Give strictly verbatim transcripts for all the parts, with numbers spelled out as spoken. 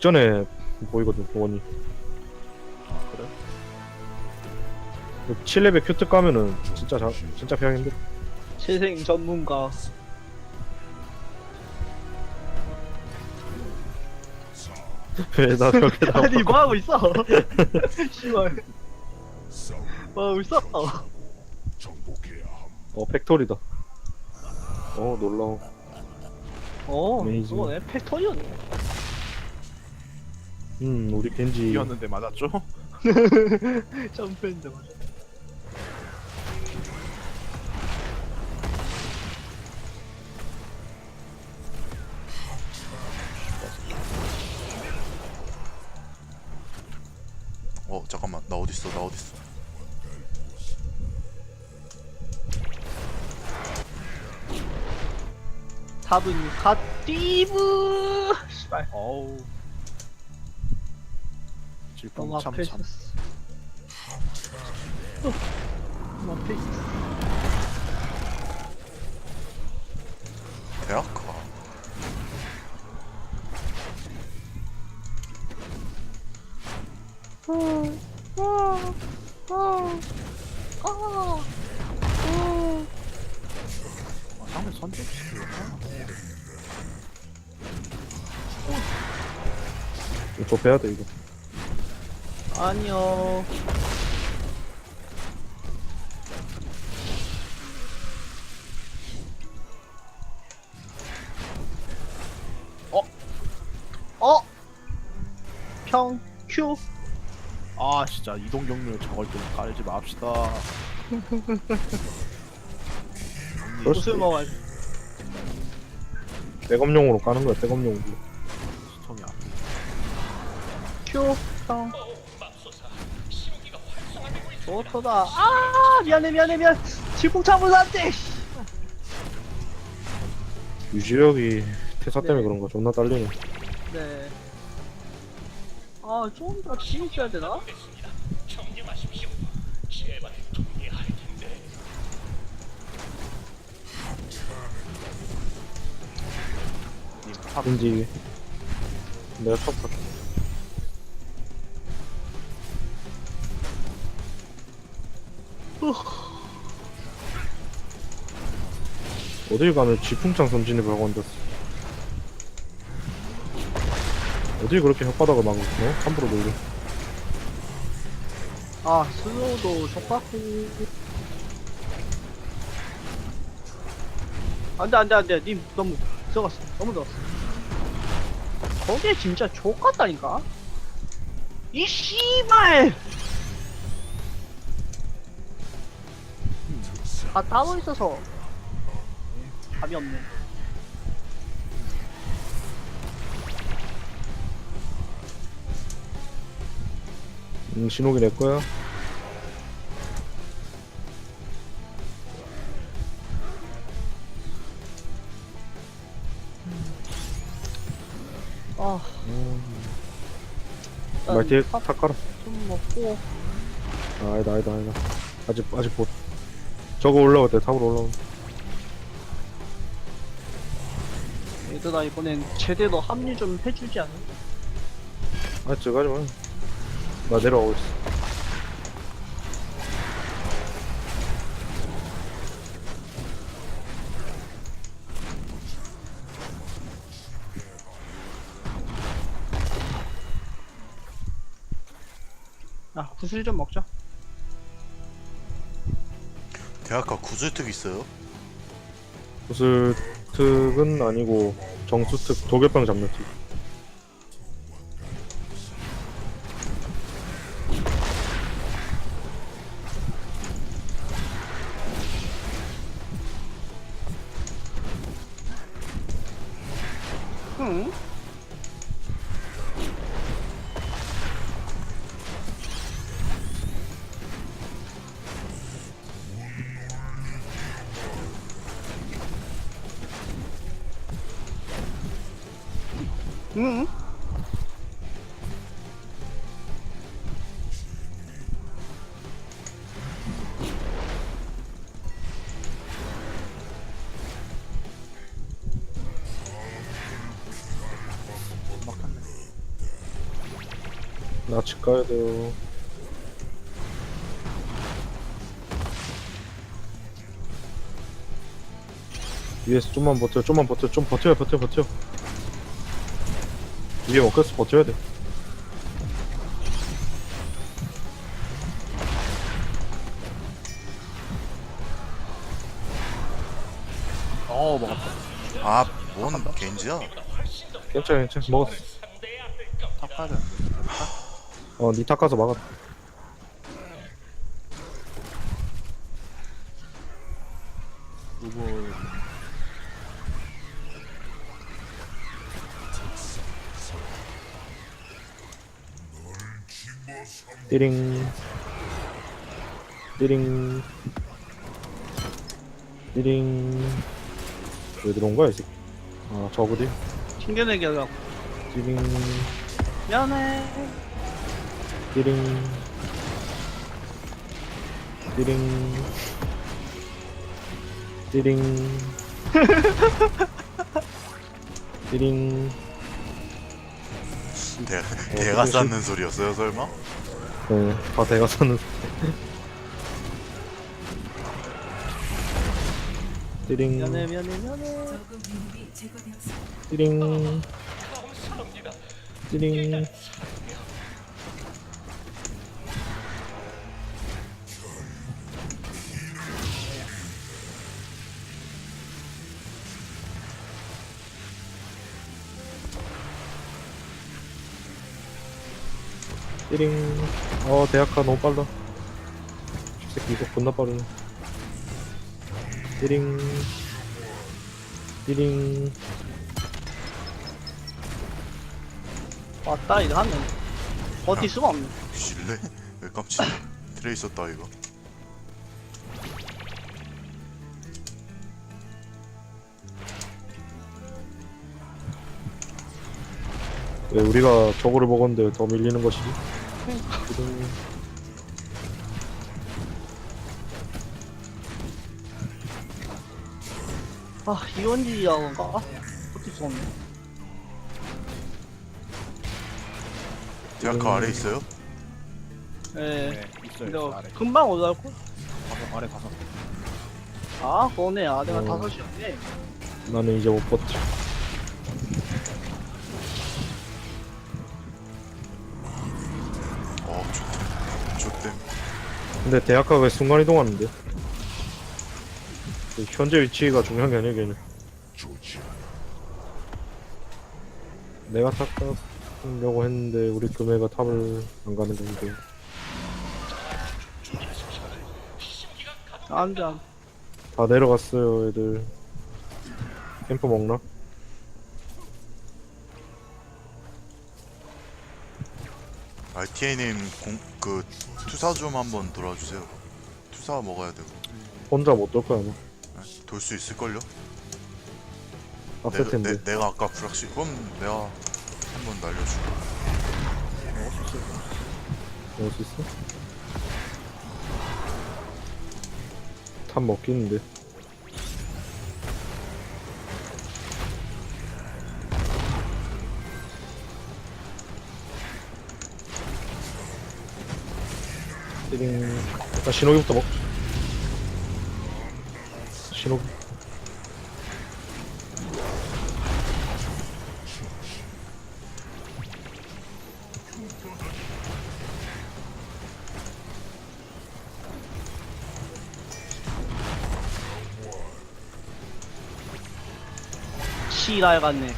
직전에 보이거든 원이. 아 그래? 칠 레벨 큐트 까면은 진짜 자, 진짜 피하기 힘들어. 재생 전문가. 왜나 저렇게 나와? 아니 뭐 하고 있어? 씨발. 뭐 하고 있어? 어 팩토리다. 어 놀라워. 어, 어메이징. 그거네. 팩토리였네. 음 우리 겐지 이었는데 맞았죠? 점프했는데 맞아. 어 잠깐만 나 어딨어 나 어딨어 탑은 갓디브. 씨발. 어우 너무 질풍 앞에 참참. 있었어. 어, 너무 앞에 있었어. 대학가 아, 상대 선택시키구나. 이거 빼야 돼 이거. 아니요. 어? 어? 평 큐. 아 진짜 이동 경로를 저걸 좀 깔지 맙시다. 그럴 수도 옷을 먹어야 돼. 백업용으로 까는 거야 백업용으로. 스톰이야. 큐 평. 좋다. 아 미안해 미안해 미안. 질풍참을 안돼. 유지력이 태사 때문에 네. 그런 거 존나 딸리네. 네. 아, 좀 더 진입해야 되나? 님 탑. 겐지 내가 첫 탔. 어딜 가면 지풍창 선진을 하고 앉았어. 어딜 그렇게 혓바닥을 막 어? 함부로 놀려. 아, 슬로우도 족같고. 안 돼, 안 돼, 안 돼. 님 너무 들어갔어. 너무 들어갔어. 저게 진짜 족같다니까? 이 씨발! 다 따로 있어서. 답이 없네. 음 신호기 내 거야. 아, 일단 말 뒤에 탑 탁 깔아. 좀 먹고. 아, 아니다 아니다 아니다. 아직 아직 못. 저거 올라올 때 탑으로 올라오. 얘들아, 이번엔 제대로 합류 좀 해주지 않아? 아 저거 하지 마. 나 내려오고 있어. 아, 구슬 좀 먹자. 대학가 구슬특 있어요? 구슬 특은 아니고 정수 특 도결병 잡는 특. 응? 응? 나 집 가야 돼요. 위에서 좀만 버텨, 좀만 버텨, 좀 버텨, 버텨, 버텨. 위에 먹겠어, 버텨야 돼. 어 먹었다. 아뭔 겐지야? 괜찮아, 괜찮아. 먹었어. 탑 가야 되는데. 어, 니탑 가서 막았다. 누구 띠링. 띠링. 띠링. 왜 들어온 거야, 이 새끼? 아, 저거지? 튕겨내기 하려고. 띠링. 미안해. 띠링. 띠링. 띠링. 띠링. 대, 대가 쌓는 소리였어요 설마? 네, 다 대가 사는. 띠링. 미안해 미안해 미안해. 띠링. 띠링. 띠링. 어, 대학가 너무 빨라. 이 새끼 이거 존나 빠르네. 띠링. 띠링. 왔다 이거 하면 버틸 수가 없네. 실례? 왜 깜짝이야. 트레이서 따 이거. 왜 우리가 저거를 먹었는데 더 밀리는 것이지? 띠링. 아 이원지야가 버틸 수가 없네. 대학가 아래 있어요? 예. 네 있어요. 근데 있어, 아래. 금방 올라올 걸? 가서 아래 가서. 아 그거네. 아 내가 어. 다섯 시였네. 나는 이제 못 버텨. 어 좋댐 좋댐. 근데 대학가 왜 순간 이동하는데? 그 현재 위치가 중요한 게 아니야, 걔는. 내가 탑 가려고 했는데 우리 금해가 탑을 안 가는 건데. 안돼 안돼. 다 내려갔어요, 애들. 캠프 먹나? 알티에이님 공, 그 투사 좀 한번 돌아주세요. 투사 먹어야 되고. 혼자 못 돌 거야, 아마. 돌 수 있을걸요? 빡셀 내가, 텐데. 내, 내가 아까 불확실 그럼 내가 한번 날려줄게. 먹을 수 있어? 탑 먹기는데. 띠링. 일단 신호기부터 먹자. 신호기. 시랄 같네.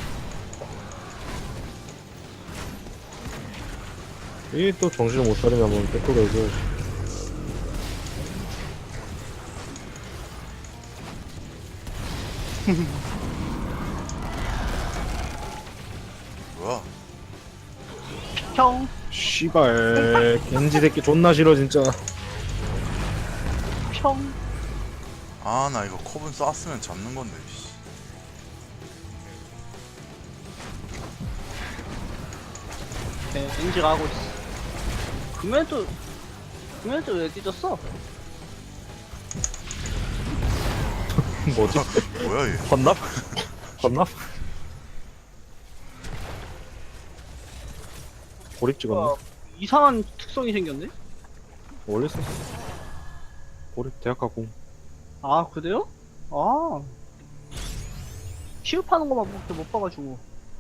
이게 또 정신을 못 차리면 한번 백도가 해줘야지. 뭐야? 형. 씨발 겐지 새끼 존나 싫어 진짜. 평. 아 나 이거 컵은 쐈으면 잡는 건데. 씨. 네, 인지가 하고 있어. 금연도 금연도 왜 뒤졌어? 뭐지? 뭐야 얘? 헌납? 헌납? 고립 찍었네. 어, 이상한 특성이 생겼네? 원래 썼어. 고립 대학가 공. 아, 그래요? 아. 취급하는 것만 못, 못 봐가지고.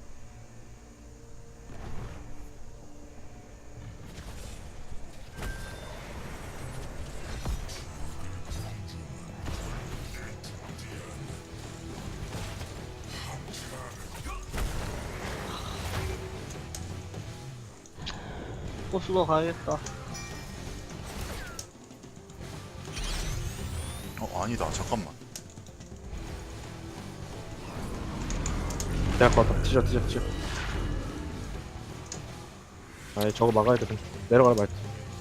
버스로 가야겠다. 어 아니다 잠깐만. 대학가 왔다. 티저 티저 티저. 아이 저거 막아야 돼. 내려가라 말지.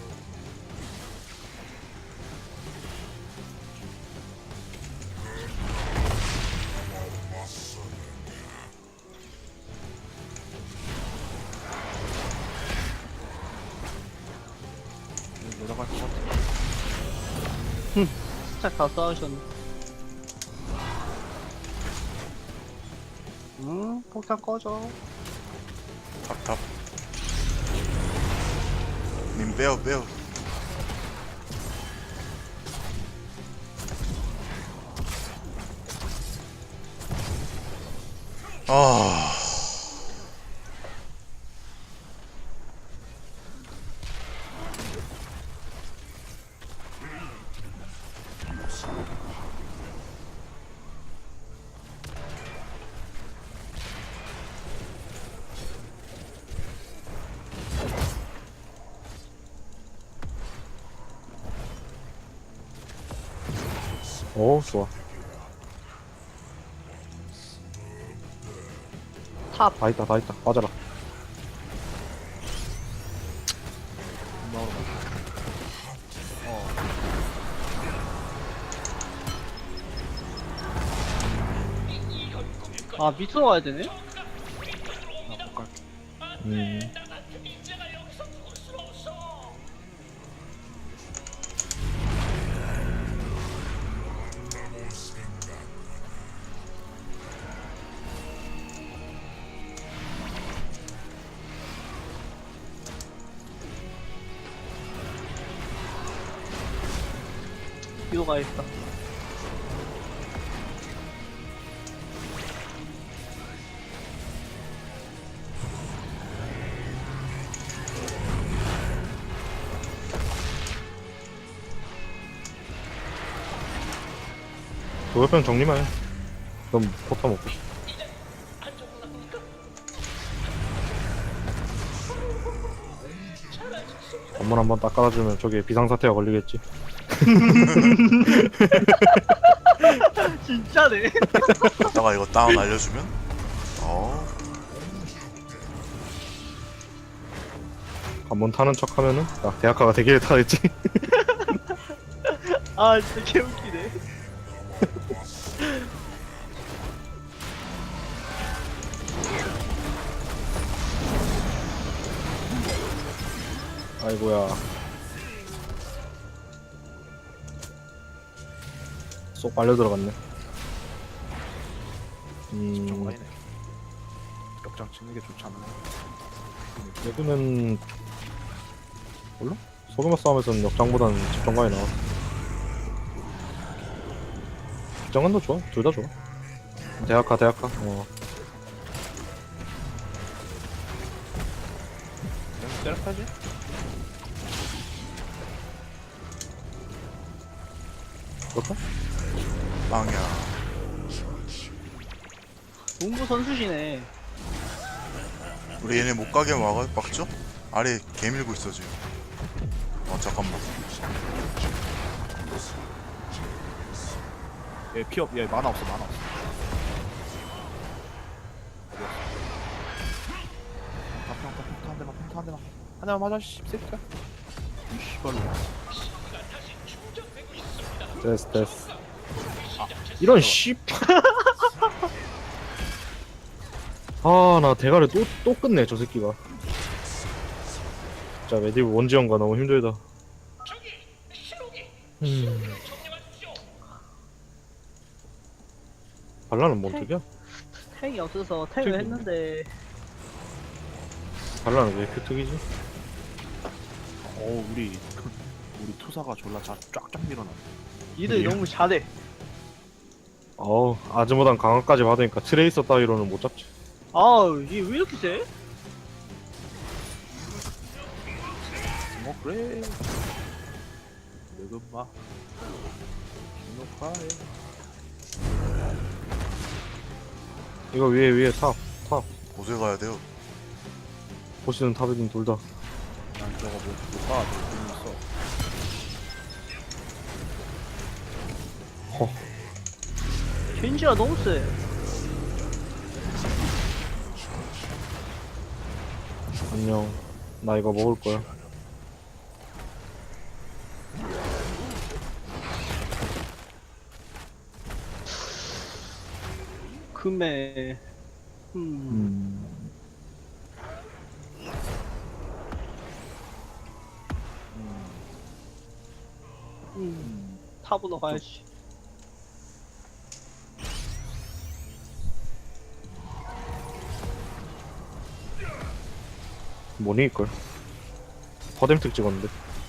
내려갈 것 같아. 살짝 다 싸우셨네. 응, 폭탄 꺼져. 탑탑. 님 빼요 빼요. 아. 오 좋아. 탑. 다 있다 다 있다. 빠져라. 나오러 가. 어. 아, 밑으로 가야 되네? 나못 갈게. 음. 뒤로 가야겠다. 도협병 정리만 해. 그럼 포터 먹고. 건물 한번 딱 깔아주면 저게 비상사태가 걸리겠지. 진짜네. 이따가 이거 다운 알려주면 어 한번 타는 척 하면은 야 대학가가 대기를 타겠지. 아, 진짜 개웃기네. 아이고야. 쏙 빨려 들어갔네. 음, 정가이네. 역장 찍는 게 좋지 않나? 여기는 몰라? 소규모 싸움에서는 역장보다는 집정관이 나와. 집정관도 좋아. 둘 다 좋아. 대학가 대학가. 어. 그냥 때려야지. 그럴까? 빵이야. 농구 선수시네. 우리 얘네 못 가게 막아 막죠? 아래 개 밀고 있어 지금. 어 잠깐만. 얘 피업, 얘 만화 없어, 만화 없어. 어디 갔어? 평타, 평타, 평타 한 대만, 평타 한 대만. 한 대만 맞아, 씨, 새끼야. 이 씨발로. 됐어 됐어. 이런 씨. 아 나 대가를 또 또 끝내 저 새끼가. 진짜 메디브 원지원가 너무 힘들다. 음. 발라는 뭔 특이야? 택이 없어서 택을 택이 했는데 달라는 왜 이렇게 특이지? 어 우리 우리 투사가 졸라 자, 쫙쫙 밀어놨네. 니들 예. 너무 잘해. 어우 아즈모단 강화까지 받으니까 트레이서 따위로는 못 잡지. 아우, 얘 왜 이렇게 세? 뭐 그래. 내금마. 기노카에. 이거 위에 위에 탑 탑. 어디 가야 돼요? 보시는 탑이든 둘 다. 난 저거 못 가. 돈 있어. 허. 겐지가 너무 세. 안녕. 나 이거 먹을 거야. 금에. 음. 음. 음. 탑으로 가야지. 뭐니 이걸? 퍼뎀특 찍었는데.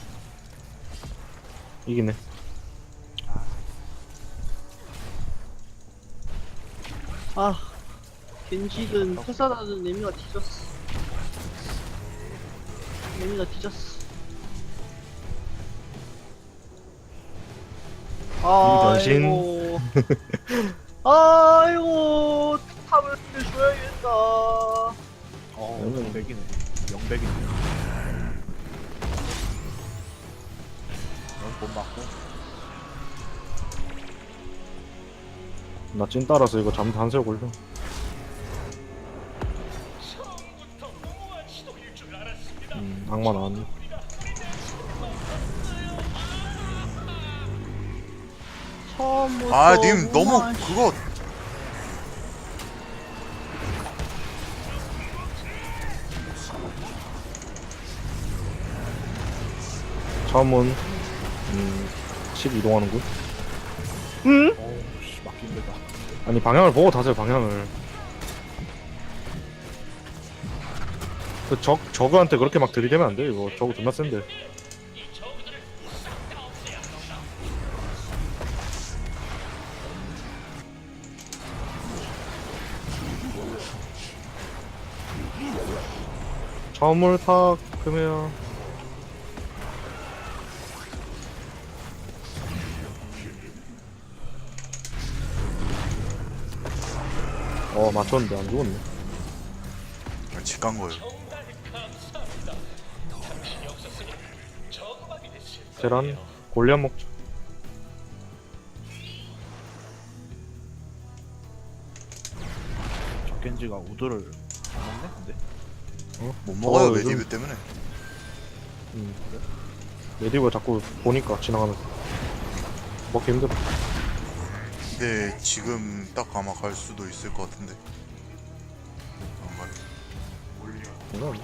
이기네. 아, 겐지든 회사라든 레미가 뒤졌어. 레미가 뒤졌어. 변신. 아이고. 아이고, 탑을 줘야겠다. 어 음. 영백이네. 영백이네. 넌못 맞고. 나 찐 따라서 이거 잠도 한세 걸려. 음, 악마 나왔네. 처음부터. 아 님 너무 우와, 그거 처음은 음, 십 이동하는 곳. 응? 어우씨 막힌 데다. 아니 방향을 보고 타세요 방향을. 그 적 저그한테 그렇게 막 들이대면 안 돼. 이거 저그 존나 센데. 처음을 탁 그러면 어 맞췄는데 안 죽었네. 직간 거예요. 계란 골리앗 먹자. 적겐지가 우드를 안 먹네 근데. 못 먹어요 어, 요즘- 메디브 때문에. 음. 레디브 자꾸 보니까 지나가면서 먹기 힘들어. 근데 지금 딱 아마 갈 수도 있을 것 같은데. 안 가요. 이건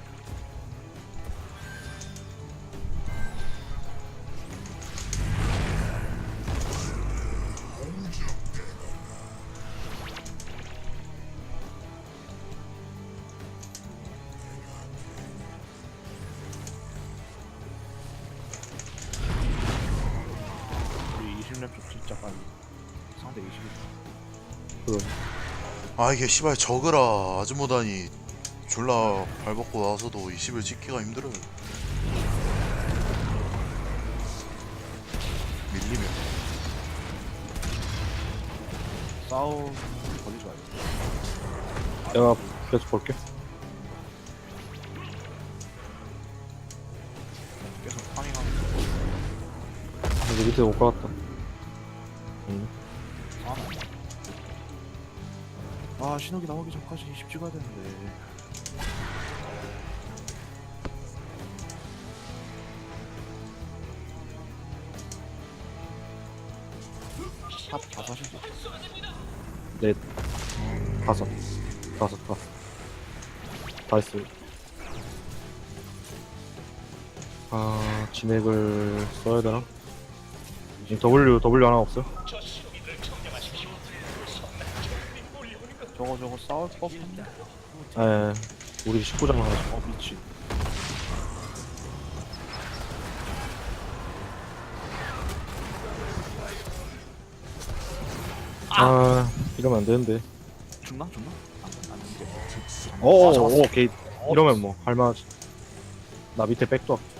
우리 이십 렙 쪽 진짜 빨리. 상대 이십 렙. 그 아 이게 씨발 저그라 아즈모단이 졸라 발벗고 나서도 이십을 찍기가 힘들어요. 밀리면. 싸움 거기 좋아요. 내가 계속 볼게. 계속 파밍하면서 이제 밑에 못 가봤다. 음. 싸움. 아 신호기 나오기 전까지 이십 찍어야 되는데. 탑 다섯이지. 넷, 다섯, 다섯, 다섯. 다 했어요. 아, 진액을 써야 되나? 지금 W, W 하나 없어요? 저거 저거 싸울 법한데. 예. 우리 십구 장 하나. 어 미친. 아 이러면 안 되는데. 죽나 죽나? 안, 안 죽게. 오, 아, 잡았어. 오, 오케이. 이러면 뭐 할만하지. 나 밑에 백도. 할게.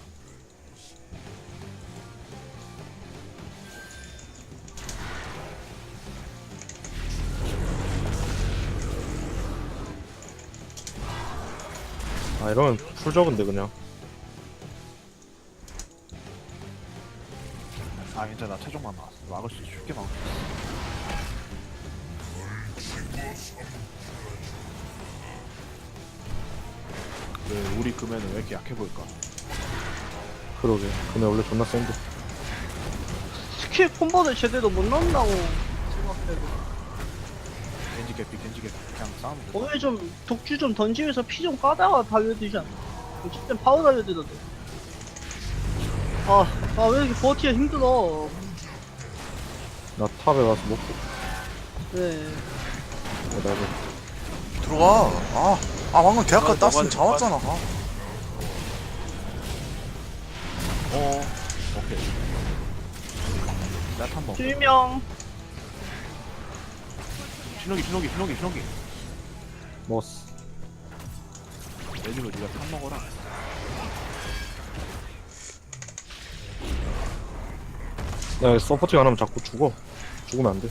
아 이러면 풀 적은데 그냥. 아 괜찮아. 나 최종만 나왔어. 막을 수 있어. 쉽게 막을 수 있어. 왜 우리 금에는 왜 이렇게 약해 보일까? 그러게. 근데 원래 존나 센데. 스킬 콤보를 제대로 못 넣는다고 생각해도. 겐지 개피 겐지 개피 그냥 싸우면 돼. 오늘 좀 독주 좀 던지면서 피 좀 까다가 달려들지 않나? 어쨌든 바로 달려들던데. 아, 아 왜 이렇게 버티기가 힘들어? 나 탑에 가서 먹고. 네. 어, 나도. 들어가. 아, 아 방금 대학가 들어가, 땄으면 들어가, 잡았잖아. 아. 어 오케이. 나탄 먹. 실명. 신호기 신호기 신호기 신호기. 먹었어. 내지고 네가 탄 먹어라. 야 서포팅 안 하면 자꾸 죽어. 죽으면 안 돼.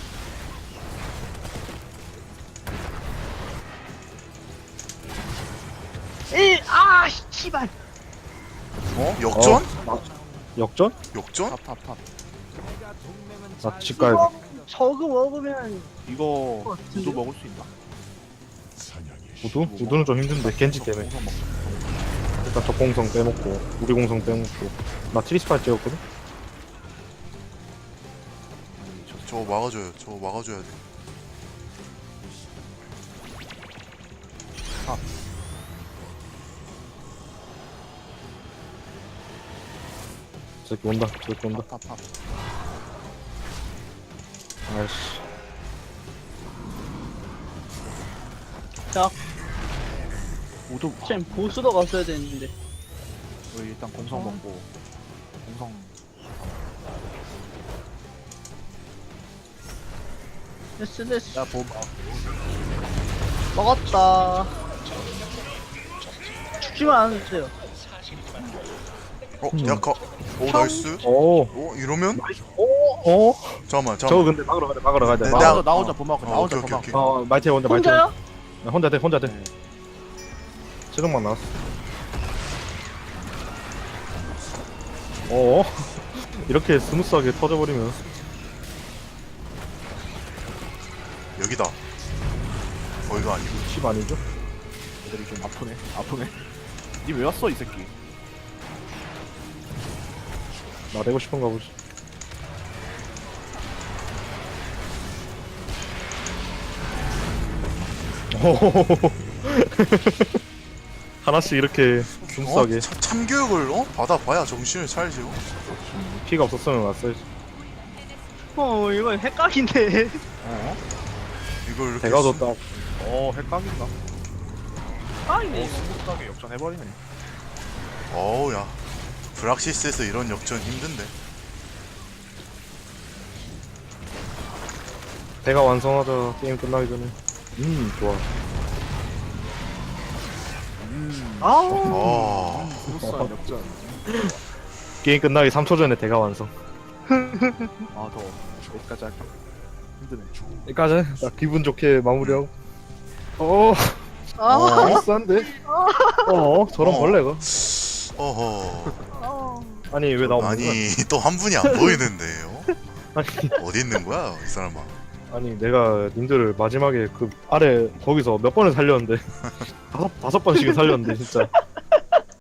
일, 아, 씨발. 어? 역전? 어? 역전? 역전? 탑 탑 탑. 나 집 가야 이거 돼. 저거 먹으면 이거 어, 우도 진짜? 먹을 수 있나? 우두? 우두는 좀 힘든데 겐지 때문에. 공성 먹자. 일단 저 공성 빼먹고 우리 공성 빼먹고. 나 트리스파이 찍었거든? 아니 저 저거 막아줘요. 저거 막아줘야 돼. 저 새끼 온다. 저 새끼 온다. 탑 탑. 아이씨. 자, 우도 쟤 보스로 갔어야 되는데. 우리 일단 공성 어. 먹고 공성 됐어, 됐어. 야 보. 먹었다. 죽지만 않으세요. 어, 음. 대학가. 오, 나이스. 오. 어, 이러면? 오. 어? 잠깐만, 저거 잠깐만. 근데 막으러 가야 돼. 막으러 가야 돼. 네, 막- 나 내가- 혼자 나 혼자 보막 나 어, 혼자 오케이, 보막. 오케이, 어 마이테 혼자 마이테. 혼자요? 나 혼자 돼 혼자 돼. 네. 최종만 나왔어. 어? 이렇게 스무스하게 터져버리면. 여기다. 거기가 아니고. 칩 아니죠? 애들이 좀 아프네 아프네. 니 왜 왔어 이 새끼? 나대고 싶은가 보지. 하나씩 이렇게 스무스하게. 어? 참, 참교육을 어? 받아봐야 정신을 차리죠. 피가 없었으면 왔어야지. 어, 이건 헷갈린데. 어? 이걸 이렇게 대가도 쓰- 딱. 어 헷갈린다. 아니네. 오 스무스하게 역전해버리네. 어우, 야. 브락시스에서 이런 역전 힘든데. 대가 완성하자. 게임 끝나기 전에. 음 좋아. 음. 아우. 아, 스무스한 역전. 게임 끝나기 삼 초 전에 대가 완성. 아더 여기까지 할까? 힘드네. 여기까지. 나 기분 좋게 마무리하고. 어. 아. 비싼데? 어 저런 어. 벌레가. 어허. 아. 아니 왜 나 없는 거야? 아니, 또 한 분이 안 보이는데요? 아니 어디 있는 거야, 이 사람아? 아니 내가 님들을 마지막에 그 아래 거기서 몇 번을 살렸는데 다섯 다섯 번씩은 살렸는데 진짜